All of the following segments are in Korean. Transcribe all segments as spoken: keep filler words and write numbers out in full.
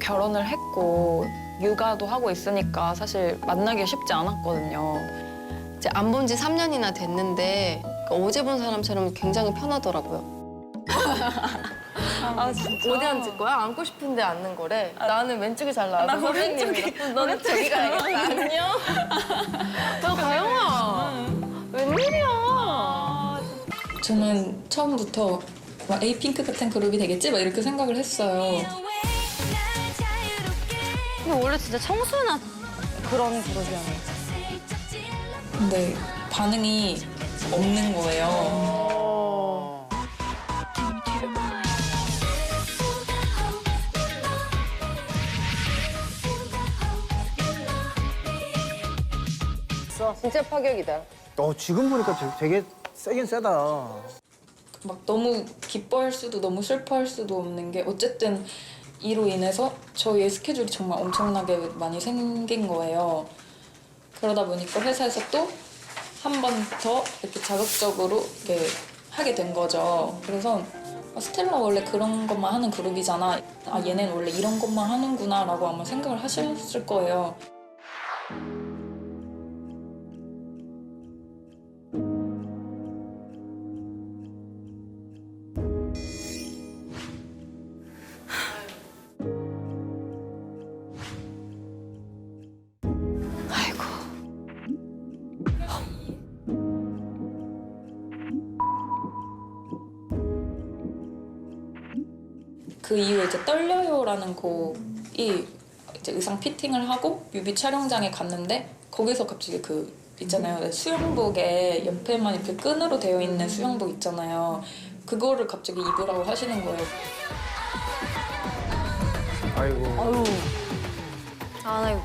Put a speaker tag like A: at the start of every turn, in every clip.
A: 결혼을 했고 육아도 하고 있으니까 사실 만나기 쉽지 않았거든요.
B: 이제 안 본 지 삼 년이나 됐는데 어제 본 사람처럼 굉장히 편하더라고요.
A: 아 진짜?
B: 어디 앉을 거야? 앉고 싶은데 앉는 거래. 나는 왼쪽이 잘 나와서
A: 나
B: 선생님이랑. 너는 저기 가야겠다. 안녕. 야, 가영아. 웬일이야.
C: 저는 처음부터 막 에이핑크 같은 그룹이 되겠지? 막 이렇게 생각을 했어요.
D: 근데 원래 진짜 청순한 그런 그룹이었네.
C: 근데 반응이 없는 거예요.
B: 진짜 파격이다.
E: 어, 지금 보니까 되게, 되게 세긴 세다.
C: 막 너무 기뻐할 수도 너무 슬퍼할 수도 없는 게 어쨌든 이로 인해서 저희의 스케줄이 정말 엄청나게 많이 생긴 거예요. 그러다 보니까 회사에서 또 한 번 더 이렇게 자극적으로 이렇게 하게 된 거죠. 그래서 아, 스텔라 원래 그런 것만 하는 그룹이잖아. 아 얘네는 원래 이런 것만 하는구나 라고 아마 생각을 하셨을 거예요. 그 이후에 이제 떨려요라는 곡이 이제 의상 피팅을 하고 뮤비 촬영장에 갔는데 거기서 갑자기 그 있잖아요. 수영복에 옆에만 이렇게 끈으로 되어 있는 수영복 있잖아요. 그거를 갑자기 입으라고 하시는 거예요.
E: 아이고.
D: 아유. 아, 나 이거.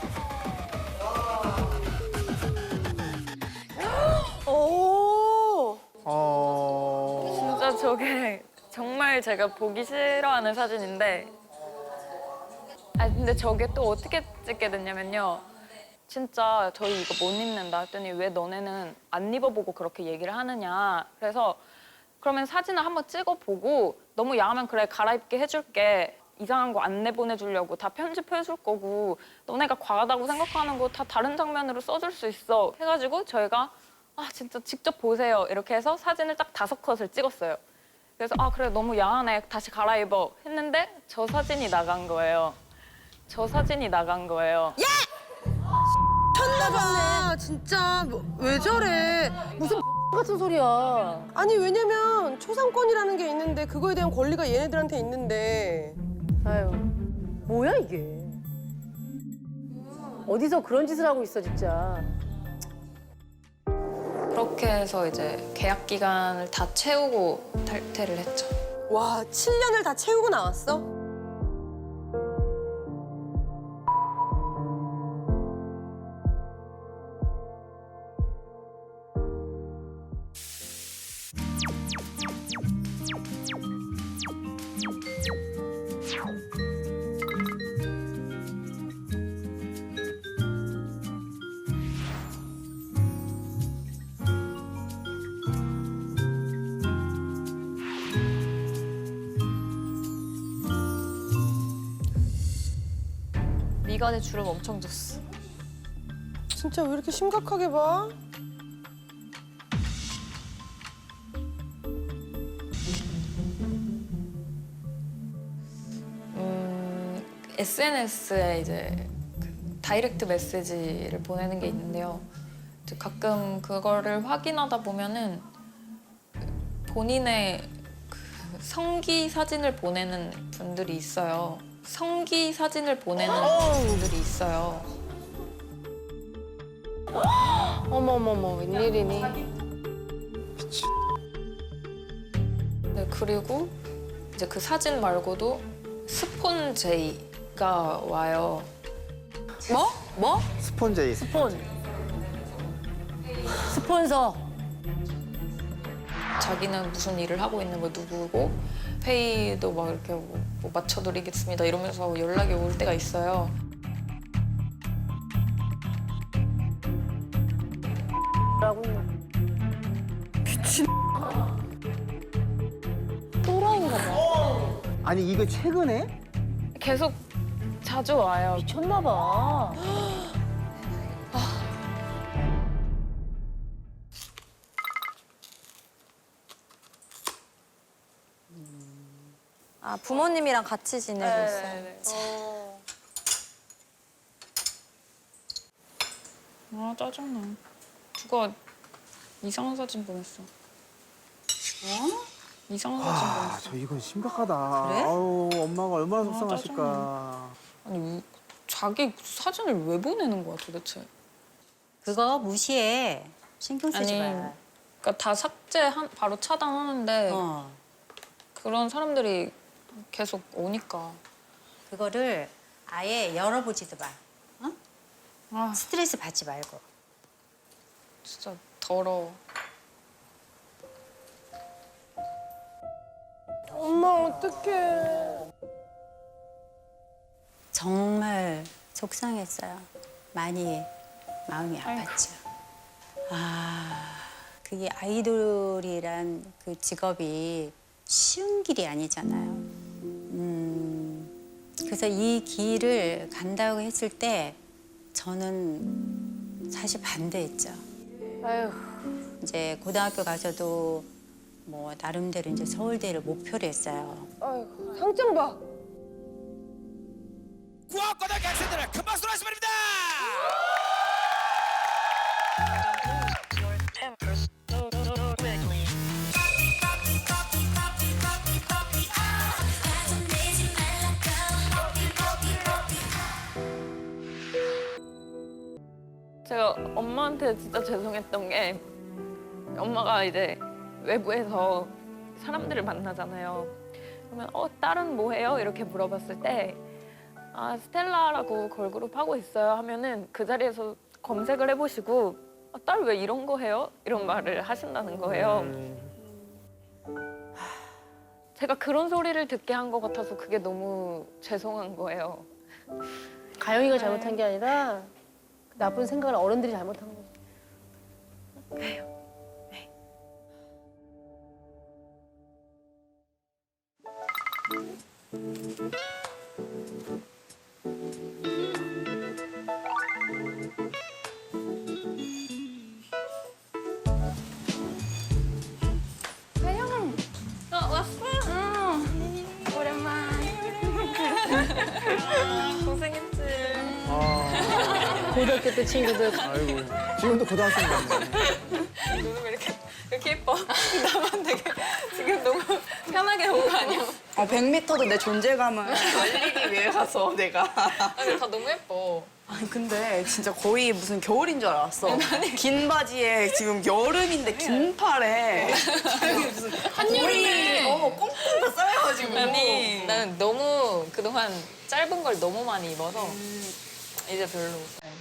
B: 오.
E: 어.
A: 진짜 저게 정말 제가 보기 싫어하는 사진인데 아 근데 저게 또 어떻게 찍게 됐냐면요. 진짜 저희 이거 못 입는다 했더니 왜 너네는 안 입어보고 그렇게 얘기를 하느냐. 그래서 그러면 사진을 한번 찍어보고 너무 야하면 그래 갈아입게 해줄게. 이상한 거 안 내보내주려고 다 편집해줄 거고 너네가 과하다고 생각하는 거 다 다른 장면으로 써줄 수 있어. 해가지고 저희가 아 진짜 직접 보세요. 이렇게 해서 사진을 딱 다섯 컷을 찍었어요. 그래서 아 그래 너무 야하네 다시 갈아입어 했는데 저 사진이 나간 거예요. 저 사진이 나간 거예요.
F: 쳤나봐. 진짜 뭐, 왜 저래? 무슨
D: 같은 소리야.
F: 아니 왜냐면 초상권이라는 게 있는데 그거에 대한 권리가 얘네들한테 있는데.
D: 아유. 뭐야, 이게. 어디서 그런 짓을 하고 있어, 진짜.
A: 그렇게 해서 이제 계약 기간을 다 채우고 탈퇴를 했죠.
F: 와, 칠 년을 다 채우고 나왔어?
A: 미간에 주름 엄청 졌어.
F: 진짜 왜 이렇게 심각하게 봐?
A: 음, 에스엔에스에 이제 그 다이렉트 메시지를 보내는 게 있는데요. 이제 가끔 그거를 확인하다 보면은 본인의 그 성기 사진을 보내는 분들이 있어요. 성기 사진을 보내는 분들이 있어요.
B: 어머머머, 웬일이니?
A: 네, 그리고 이제 그 사진 말고도 스폰제이가 와요.
B: 뭐? 뭐?
E: 스폰제이.
D: 스폰. 스폰서.
A: 자기는 무슨 일을 하고 있는 거 누구고 회의도 막 이렇게 뭐, 뭐 맞춰드리겠습니다 이러면서 연락이 올 때가 있어요.
D: 라고
F: 미친.
D: 또라이인가 봐.
E: 아니, 이거 최근에?
A: 계속 자주 와요.
G: 미쳤나 봐.
D: 아, 부모님이랑 같이 지내고 있어요.
C: 아 짜증나. 누가 이상한 사진 보냈어. 이상한 사진
E: 아,
C: 보냈어.
E: 저 이건 심각하다.
D: 그래?
E: 아유, 엄마가 얼마나
C: 아,
E: 속상하실까.
C: 아니 우- 자기 사진을 왜 보내는 거야 도대체?
H: 그거 무시해. 신경 쓰지
C: 아니,
H: 마.
C: 그러니까 다 삭제한 바로 차단하는데
H: 어.
C: 그런 사람들이 계속 오니까.
H: 그거를 아예 열어보지도 마. 어?
C: 아
H: 스트레스 받지 말고.
C: 진짜 더러워.
F: 엄마 어떡해.
H: 정말 속상했어요. 많이 마음이 아팠죠. 아, 그게 아이돌이란 그 직업이 쉬운 길이 아니잖아요. 음, 그래서 이 길을 간다고 했을 때 저는 사실 반대했죠.
F: 아유,
H: 이제 고등학교 가서도 뭐 나름대로 이제 서울대를 목표로 했어요.
F: 아이고, 상장 봐.
I: 구학고등학교 학생들을 큰 박수로 하시 바랍니다.
A: 제가 엄마한테 진짜 죄송했던 게 엄마가 이제 외부에서 사람들을 만나잖아요. 그러면 어 딸은 뭐 해요? 이렇게 물어봤을 때 아 스텔라라고 걸그룹 하고 있어요 하면은 그 자리에서 검색을 해보시고 아, 딸 왜 이런 거 해요? 이런 말을 하신다는 거예요. 제가 그런 소리를 듣게 한 것 같아서 그게 너무 죄송한 거예요.
G: 가영이가 잘못한 게 아니라 나쁜 생각을 어른들이 잘못한 거지.
A: 고생했지.
E: 아,
G: 고등학교 때 친구들.
E: 아이고. 지금도 고등학생 같네.
A: 너는 왜 이렇게 이렇게 예뻐? 나만 되게 지금 너무 편하게 온 거 아니야?
J: 어, 백 미터도 내 존재감을 알리기 위해 가서 내가.
A: 아니 다 너무 예뻐.
J: 아니 근데 진짜 거의 무슨 겨울인 줄 알았어. 긴 바지에 지금 여름인데 긴 팔에 아니 무슨 한여름에 어 꽁꽁 다 쌓여가지고.
A: 아니 나는 너무 그동안 짧은 걸 너무 많이 입어서 이제 별로.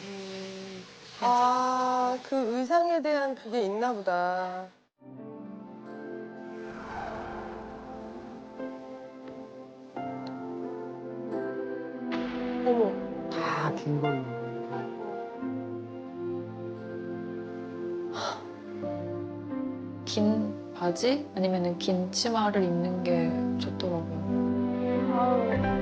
F: 아, 그 의상에 대한 그게 있나 보다. 어머.
E: 다 긴 걸로.
C: 긴 바지 아니면은 긴 치마를 입는 게 좋더라고요.
F: 아우.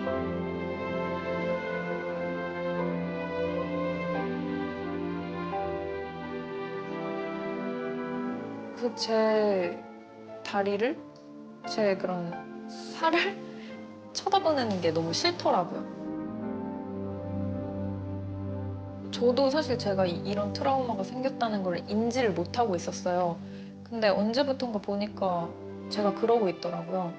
C: 그래서 제 다리를 제 그런 살을 쳐다보는 게 너무 싫더라고요. 저도 사실 제가 이- 이런 트라우마가 생겼다는 걸 인지를 못하고 있었어요. 근데 언제부턴가 보니까 제가 그러고 있더라고요.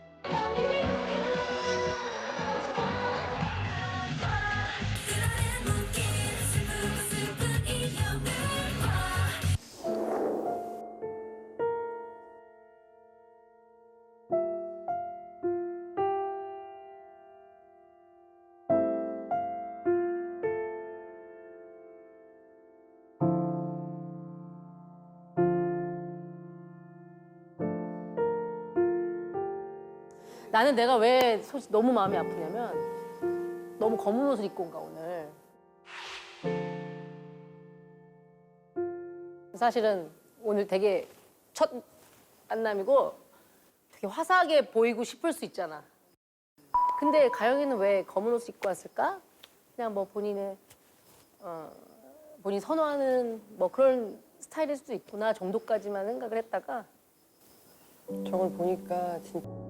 G: 나는 내가 왜 솔직히 너무 마음이 아프냐면 너무 검은 옷을 입고 온가 오늘. 사실은 오늘 되게 첫 만남이고 되게 화사하게 보이고 싶을 수 있잖아. 근데 가영이는 왜 검은 옷을 입고 왔을까? 그냥 뭐 본인의 어, 본인 선호하는 뭐 그런 스타일일 수도 있구나 정도까지만 생각을 했다가
F: 저걸 보니까 진짜